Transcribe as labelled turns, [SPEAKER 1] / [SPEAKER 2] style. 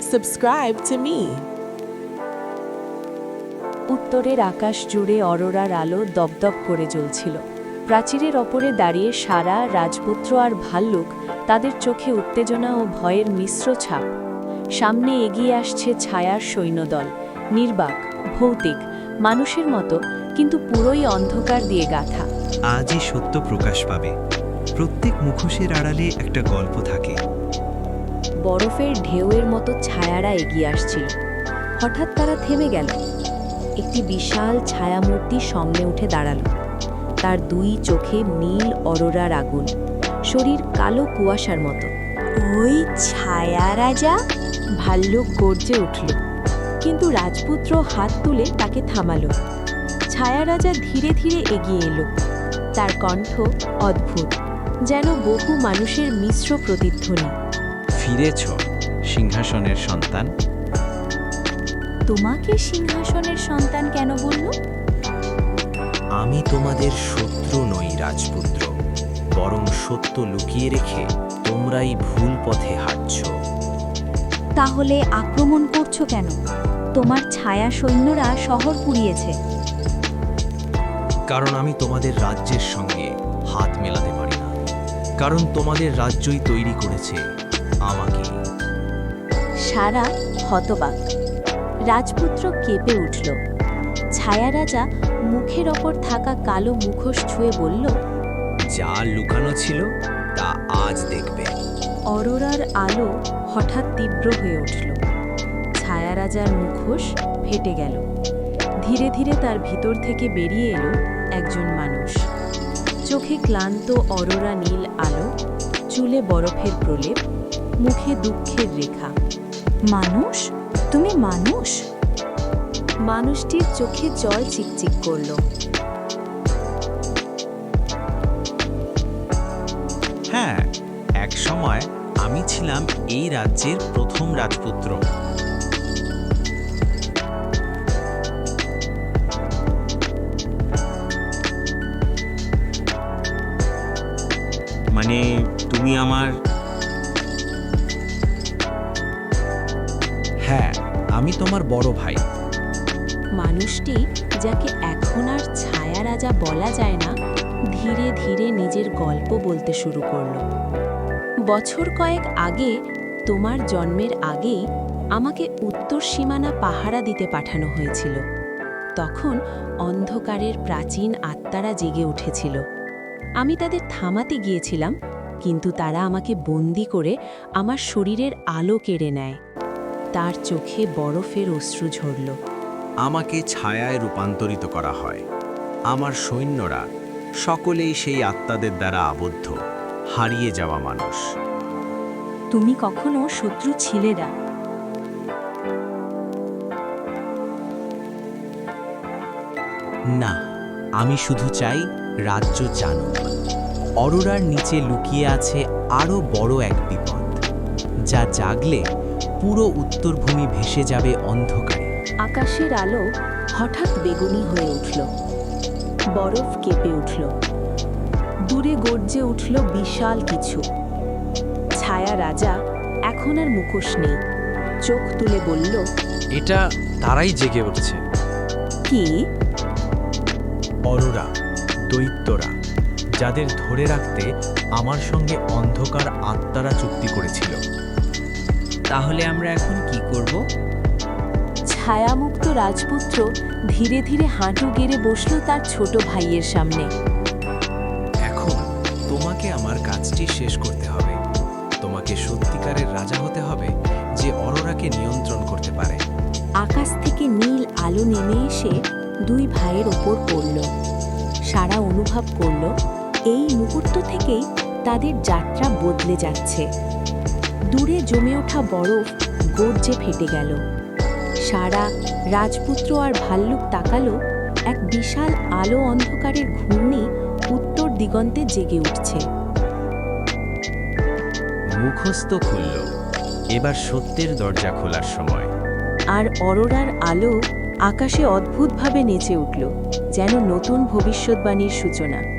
[SPEAKER 1] subscribe to me.
[SPEAKER 2] উত্তরের আকাশ জুড়ে অরোরার আলো দপদপ করে জ্বলছিল। প্রাচীরের ওপরে দাঁড়িয়ে সারা, রাজপুত্র আর ভাল্লুক, তাদের চোখে উত্তেজনা ও ভয়ের মিশ্র ছাপ। সামনে এগিয়ে আসছে ছায়ার সৈন্যদল, নির্বাক, ভৌতিক, মানুষের মতো, কিন্তু পুরোই অন্ধকার দিয়ে গাঁথা।
[SPEAKER 3] আজই সত্য প্রকাশ পাবে। প্রত্যেক মুখোশের আড়ালে একটা গল্প থাকে।
[SPEAKER 2] বরফের ঢেউয়ের মতো ছায়ারা এগিয়ে আসছিল। হঠাৎ তারা থেমে গেল। একটি বিশাল ছায়ামূর্তি সামনে উঠে দাঁড়াল। তার দুই চোখে নীল অরোরার আগুন, শরীর কালো কুয়াশার মতো।
[SPEAKER 4] ওই ছায়া রাজা?
[SPEAKER 2] ভাল্লুক গর্জে উঠল, কিন্তু রাজপুত্র হাত তুলে তাকে থামালো। ছায়া রাজা ধীরে ধীরে এগিয়ে এলো। তার কণ্ঠ অদ্ভুত, যেন বহু মানুষের মিশ্র প্রতিধ্বনি।
[SPEAKER 3] ফিরেছ, সিংহাসনের সন্তান।
[SPEAKER 4] তোমাকে সিংহাসনের সন্তান কেন বলল?
[SPEAKER 5] আমি তোমাদের শত্রু নই রাজপুত্র, বরং সত্য লুকিয়ে রেখে তোমরাই ভুল পথে হাঁটছ।
[SPEAKER 4] তাহলে আক্রমণ করছো কেন? তোমার ছায়া সৈন্যরা শহর পুড়িয়েছে।
[SPEAKER 5] কারণ আমি তোমাদের রাজ্যের সঙ্গে হাত মেলাতে পারি না, কারণ তোমাদের রাজ্যই তৈরি করেছে আমাকে।
[SPEAKER 2] সারা হতবাক। রাজপুত্র কেঁপে উঠল। ছায়া রাজা মুখের ওপর থাকা কালো মুখোশ ছুঁয়ে বলল,
[SPEAKER 5] যা লুকানো ছিল তা আজ দেখবে।
[SPEAKER 2] অরোরার আলো হঠাৎ তীব্র হয়ে উঠল। ছায়া রাজার মুখোশ ফেটে গেল। ধীরে ধীরে তার ভিতর থেকে বেরিয়ে এলো একজন মানুষ। চোখে ক্লান্ত অরোরা নীল আলো, চুলে বরফের প্রলেপ, মুখে দুঃখের রেখা।
[SPEAKER 4] মানুষ? তুমি মানুষ?
[SPEAKER 2] মানুষটির চোখে জল চিকচিক করল।
[SPEAKER 3] হ্যাঁ, এক সময় আমি ছিলাম এই রাজ্যের প্রথম রাজপুত্র। মানে তুমি আমার?
[SPEAKER 5] হ্যাঁ, আমি তোমার বড় ভাই।
[SPEAKER 2] মানুষটি, যাকে এখন আর ছায়া রাজা বলা যায় না, ধীরে ধীরে নিজের গল্প বলতে শুরু করল। বছর কয়েক আগে, তোমার জন্মের আগেই আমাকে উত্তর সীমানা পাহারা দিতে পাঠানো হয়েছিল। তখন অন্ধকারের প্রাচীন আত্মারা জেগে উঠেছিল। আমি তাদের থামাতে গিয়েছিলাম, কিন্তু তারা আমাকে বন্দি করে আমার শরীরের আলো কেড়ে নেয়। তার চোখে বরফের অশ্রু ঝরল।
[SPEAKER 5] আমাকে ছায়ায় রূপান্তরিত করা হয়। আমার সৈন্যরা সকলেই সেই আত্মাদের দ্বারা আবদ্ধ, হারিয়ে যাওয়া মানুষ।
[SPEAKER 4] তুমি কখনো শত্রু ছিলে না।
[SPEAKER 5] না, আমি শুধু চাই রাজ্য জানুক। অরোরার নিচে লুকিয়ে আছে আরও বড় এক বিপদ, যা জাগলে পুরো উত্তরভূমি ভেসে যাবে অন্ধকারে।
[SPEAKER 2] আকাশের আলো হঠাৎ বেগুনি হয়ে উঠল। বরফ কেঁপে উঠল। দূরে গর্জে উঠল বিশাল কিছু। ছায়া রাজা এখন আর মুখোশ নেই, চোখ তুলে বলল,
[SPEAKER 6] এটা তারাই জেগে উঠছে।
[SPEAKER 2] কি?
[SPEAKER 5] অরোরা, দৈত্যরা, যাদের ধরে রাখতে আমার সঙ্গে অন্ধকার আত্মারা চুক্তি করেছিল।
[SPEAKER 6] তাহলে আমরা এখন কি করব?
[SPEAKER 2] ছায়ামুক্ত রাজপুত্র ধীরে ধীরে হাঁটু গেড়ে বসল তার ছোট ভাইয়ের সামনে।
[SPEAKER 5] এখন তোমাকে আমার কাজটি শেষ করতে হবে। তোমাকে সত্যিকারের রাজা হতে হবে, যে অরোরাকে নিয়ন্ত্রণ করতে পারে।
[SPEAKER 2] আকাশ থেকে নীল আলো নেমে এসে দুই ভাইয়ের ওপর পড়ল। সারা অনুভব করল, এই মুহূর্ত থেকেই তাদের যাত্রা বদলে যাচ্ছে। দূরে জমে ওঠা বরফ গর্জে ফেটে গেল। সারা, রাজপুত্র আর ভাল্লুক তাকালো, এক বিশাল আলো অন্ধকারের ঘূর্ণি উত্তর দিগন্তে জেগে উঠছে।
[SPEAKER 5] মুখস্থ খুলল। এবার সত্যের দরজা খোলার সময়।
[SPEAKER 2] আর অরোরার আলো আকাশে অদ্ভুতভাবে নেচে উঠল, যেন নতুন ভবিষ্যৎবাণীর সূচনা।